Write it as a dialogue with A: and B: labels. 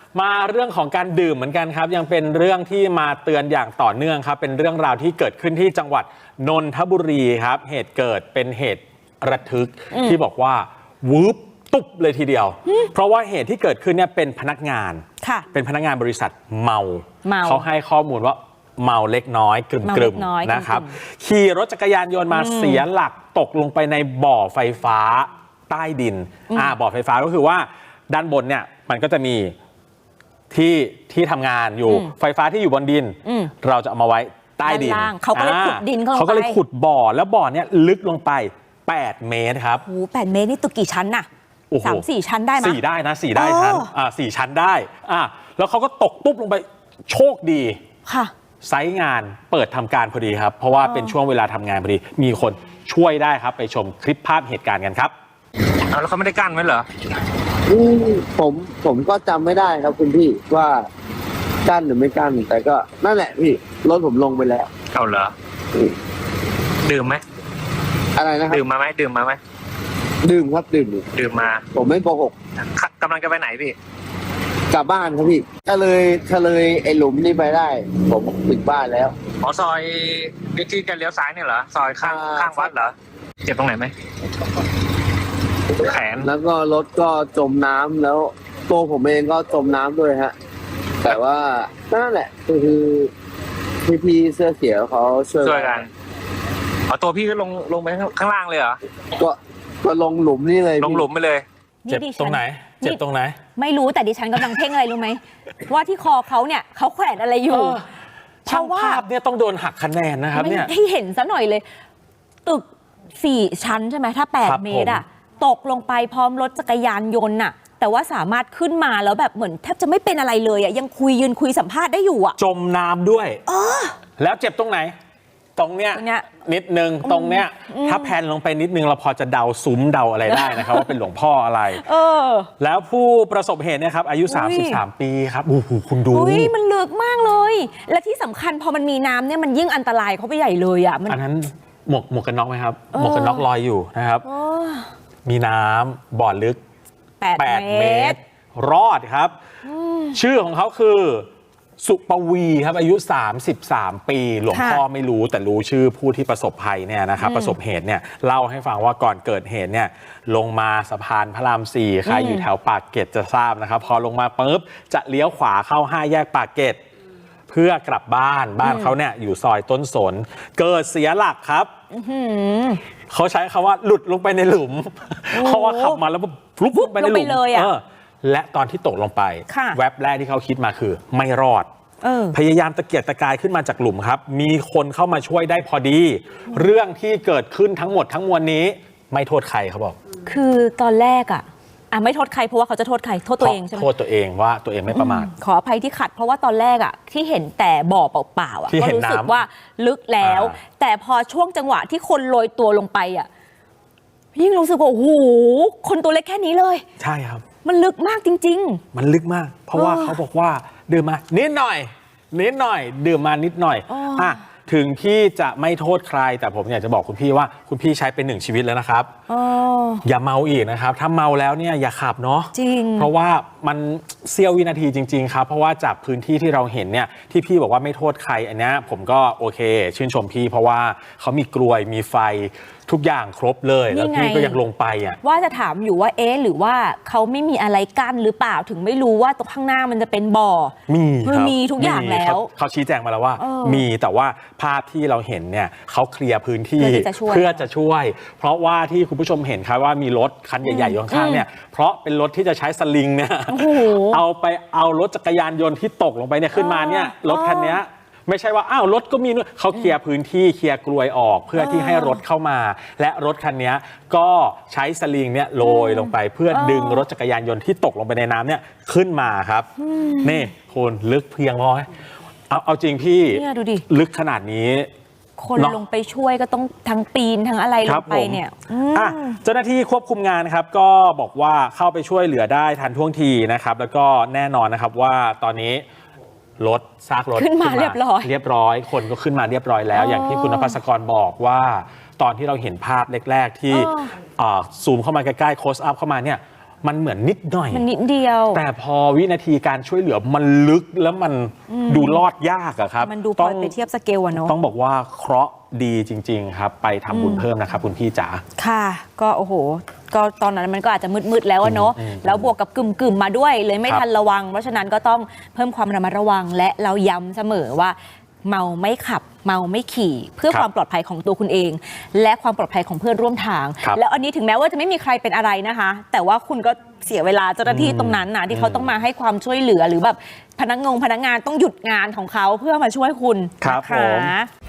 A: มาเรื่องของการดื่มเหมือนกันครับยังเป็นเรื่องที่มาเตือนอย่างต่อเนื่องครับเป็นเรื่องราวที่เกิดขึ้นที่จังหวัดนนทบุรีครับเหตุเกิดเป็นเหตุระทึกที่บอกว่าวืบตุ๊บเลยทีเดียวเพราะว่าเหตุที่เกิดขึ้นเนี่ยเป็นพนักงานเป็นพนักงานบริษัทเมาเขาให้ข้อมูลว่าเมาเล็กน้อยกลึ่มๆนะครับขี่รถจักรยานยนต์มาเสียหลักตกลงไปในบ่อไฟฟ้าใต้ดินบ่อไฟฟ้าก็คือว่าด้านบนเนี่ยมันก็จะมีที่ทำงานอยู่ไฟฟ้าที่อยู่บนดินเราจะเอามาไว้ใต้ดิน
B: เขาก็เลยขุดดิน
A: เขาก็เลยขุดบ่อแล้วบ่อเนี่ยลึกลงไป8 เมตรครับ
B: โอ้8 เมตรนี่ตึกกี่ชั้นน่ะ3-4 ชั้นได้ไหม
A: 4ได้นะ4ได้ชั้น4 ชั้นได้แล้วเขาก็ตกตุ๊บลงไปโชคดี
B: ค่ะ
A: ไซต์งานเปิดทำการพอดีครับเพราะว่าเป็นช่วงเวลาทำงานพอดีมีคนช่วยได้ครับไปชมคลิปภาพเหตุการณ์กันครับ
C: แล้วเขาไม่ได้กั้นไว้เหรอ
D: ผมก็จำไม่ได้ครับคุณพี่ว่ากั้นหรือไม่กั้นแต่ก็นั่นแหละพี่รถผมลงไปแล้ว
C: เอาเหรอดื่มไหม
D: อะไรนะครับ
C: ดื่มมาไหมดื่มมา
D: ครับดื่มมาผมไม่โกหก
C: กำลังจะไปไหนพี่
D: กลับบ้านครับพี่ถ้าเลยไอ้หลุมนี่ไปได้ผมถึงบ้านแล้ว
C: ซอยที่จะเลี้ยวซ้ายนี่เหรอซอยข้างวัดเหรอเจ็บตรงไหนไหมแขน
D: แล้วก็รถก็จมน้ำแล้วตัวผมเองก็จมน้ำด้วยฮะแต่ว่านั่นแหละคือพี่เสื้อเขียวเขาช่วย
C: กันตัวพี่ก็ลงไปข้างล่างเลยเหรอ
D: ก็ลงหลุมนี่เลย
C: ลงหลุมไปเลย
A: เจ็บตรงไหน
B: ไม่รู้แต่ดิฉันกำลังเพ่งอะไรรู้ไหมว่าที่คอเขาเนี่ยเขาแขวนอะไรอยู่
A: ช่างภาพเนี่ยต้องโดนหักคะแนนนะครับเนี่ย
B: ให้เห็นซะหน่อยเลยตึก4 ชั้นใช่ไหมถ้า8 เมตรตกลงไปพร้อมรถจักรยานยนต์แต่ว่าสามารถขึ้นมาแล้วแบบเหมือนแทบจะไม่เป็นอะไรเลยยังยืนคุยสัมภาษณ์ได้อยู่
A: จมน้ำด้วยแล้วเจ็บตรงไหนตรงเนี้ยนิดนึงตรงเนี้ยถ้าแพนลงไปนิดนึงเราพอจะเดาซุ้มเดาอะไรได้นะครับว่าเป็นหลวงพ่ออะไรแล้วผู้ประสบเหตุเนี่ยครับอายุ33 ปีครับโอ้โหคุณดู
B: มันลึกมากเลยและที่สำคัญพอมันมีน้ำเนี่ยมันยิ่งอันตรายเขาไปใหญ่เลย
A: อันนั้นหมวกกันน็อกไหมครับหมวกกันน็อกลอยอยู่นะครับมีน้ำบ่อลึก8 เมตรรอดครับชื่อของเขาคือสุปวีครับอายุ33 ปีหลวงพ่อไม่รู้แต่รู้ชื่อผู้ที่ประสบภัยเนี่ยนะครับประสบเหตุเนี่ยเล่าให้ฟังว่าก่อนเกิดเหตุเนี่ยลงมาสะพานพระราม 4ใครอยู่แถวปากเกร็ดจะทราบนะครับพอลงมาปุ๊บจะเลี้ยวขวาเข้า5 แยกปากเกร็ดเพื่อกลับบ้านเขาเนี่ยอยู่ซอยต้นสนเกิดเสียหลักครับเขาใช้คำว่าหลุดลงไปในหลุมเพราะว่าขับมาแล้วฟลุ๊บไปในหลุมและตอนที่ตกลงไปแวบแรกที่เขาคิดมาคือไม่รอดพยายามตะเกียกตะกายขึ้นมาจากหลุมครับมีคนเข้ามาช่วยได้พอดีเรื่องที่เกิดขึ้นทั้งหมดทั้งมวลนี้ไม่โทษใครเขาบอก
B: คือตอนแรกไม่โทษใครเพราะว่าเขาจะโทษใครโทษตัวเองใช่ไหม
A: โทษตัวเองว่าตัวเองไม่ประมาท
B: ขออภัยที่ขัดเพราะว่าตอนแรกที่เห็นแต่บ่อเปล่าๆก็รู้สึกว่าลึกแล้วแต่พอช่วงจังหวะที่คนโรยตัวลงไปยิ่งรู้สึกว่าโอ้โหคนตัวเล็กแค่นี้เลย
A: ใช่ครับ
B: มันลึกมากจริง
A: ๆมันลึกมากเพราะว่าเขาบอกว่าดื่มมานิดหน่อยดื่มมานิดหน่อยถึงพี่จะไม่โทษใครแต่ผมอยากจะบอกคุณพี่ว่าคุณพี่ใช้เป็น1 ชีวิตแล้วนะครับอย่าเมาอีกนะครับถ้าเมาแล้วเนี่ยอย่าขับเนาะ
B: จริง
A: เพราะว่ามันเสี้ยววินาทีจริงๆครับเพราะว่าจากพื้นที่ที่เราเห็นเนี่ยที่พี่บอกว่าไม่โทษใครอันนี้ผมก็โอเคชื่นชมพี่เพราะว่าเขามีกลวยมีไฟทุกอย่างครบเลยแล้วพี่ก็ยังลงไป
B: ว่าจะถามอยู่ว่าหรือว่าเขาไม่มีอะไรกั้นหรือเปล่าถึงไม่รู้ว่าตรงข้างหน้ามันจะเป็นบ่อมีทุกอย่างแล้ว
A: เขาชี้แจงมาแล้วว่ามีแต่ว่าภาพที่เราเห็นเนี่ยเขาเคลียร์พื้นที่เพื่อจะช่วยเพราะว่าที่คุณผู้ชมเห็นครับว่ามีรถคันใหญ่ๆอยู่ข้างๆเนี่ยเพราะเป็นรถที่จะใช้สลิงเนี่ยเอารถจักรยานยนต์ที่ตกลงไปเนี่ยขึ้นมาเนี่ยรถคันนี้ไม่ใช่ว่าอ้าวรถก็มีเขาเคลียร์พื้นที่เคลียร์กลวยออกเพื่อที่ให้รถเข้ามาและรถคันนี้ก็ใช้สลิงเนี่ยโรยลงไปเพื่อดึงรถจักรยานยนต์ที่ตกลงไปในน้ำเนี่ยขึ้นมาครับนี่คุณลึกเพียงพอเอาจริงพี่ลึกขนาดนี้
B: คนลงไปช่วยก็ต้องทั้งปีนทั้งอะไรลงไปเนี่ย
A: เจ้าหน้าที่ควบคุมงานครับก็บอกว่าเข้าไปช่วยเหลือได้ทันท่วงทีนะครับแล้วก็แน่นอนนะครับว่าตอนนี้ซากรถ
B: ขึ้นมาเรียบ
A: ร้อยคนก็ขึ้นมาเรียบร้อยแล้วอย่างที่คุณนภัสกรบอกว่าตอนที่เราเห็นภาพแรกๆที่ซูมเข้ามาใกล้ๆโคสอัพเข้ามาเนี่ยมันเหมือนนิดหน่อย
B: มันนิดเดียว
A: แต่พอวินาทีการช่วยเหลือมันลึกแล้วมันดูรอดยากอะครับ
B: มันดูพอไปเทียบสเกลอะเนาะ
A: ต้องบอกว่าเคราะห์ดีจริง ๆ ครับ ไปทำบุญเพิ่มนะครับคุณพี่จ๋า
B: ค่ะก็โอ้โหก็ตอนนั้นมันก็อาจจะมืดๆแล้วอะเนาะแล้วบวกกับกึ่มๆมาด้วยเลยไม่
A: ครับ
B: ทันระวังเพราะฉะนั้นก็ต้องเพิ่มความระมัดระวังและเราย้ำเสมอว่าเมาไม่ขับเมาไม่ขี่เพื่อ
A: ครับ
B: ความปลอดภัยของตัวคุณเอง และความปลอดภัยของเพื่อนร่วมทาง
A: ครับ
B: แล้วอันนี้ถึงแม้ว่าจะไม่มีใครเป็นอะไรนะคะ แต่ว่าคุณก็เสียเวลาเจ้าหน้าที่ตรงนั้นนะที่เขาต้องมาให้ความช่วยเหลือหรือแบบพนักงานต้องหยุดงานของเขาเพื่อมาช่วยคุณ
A: ครับ
B: นะ
A: ผ
B: คะ
A: ม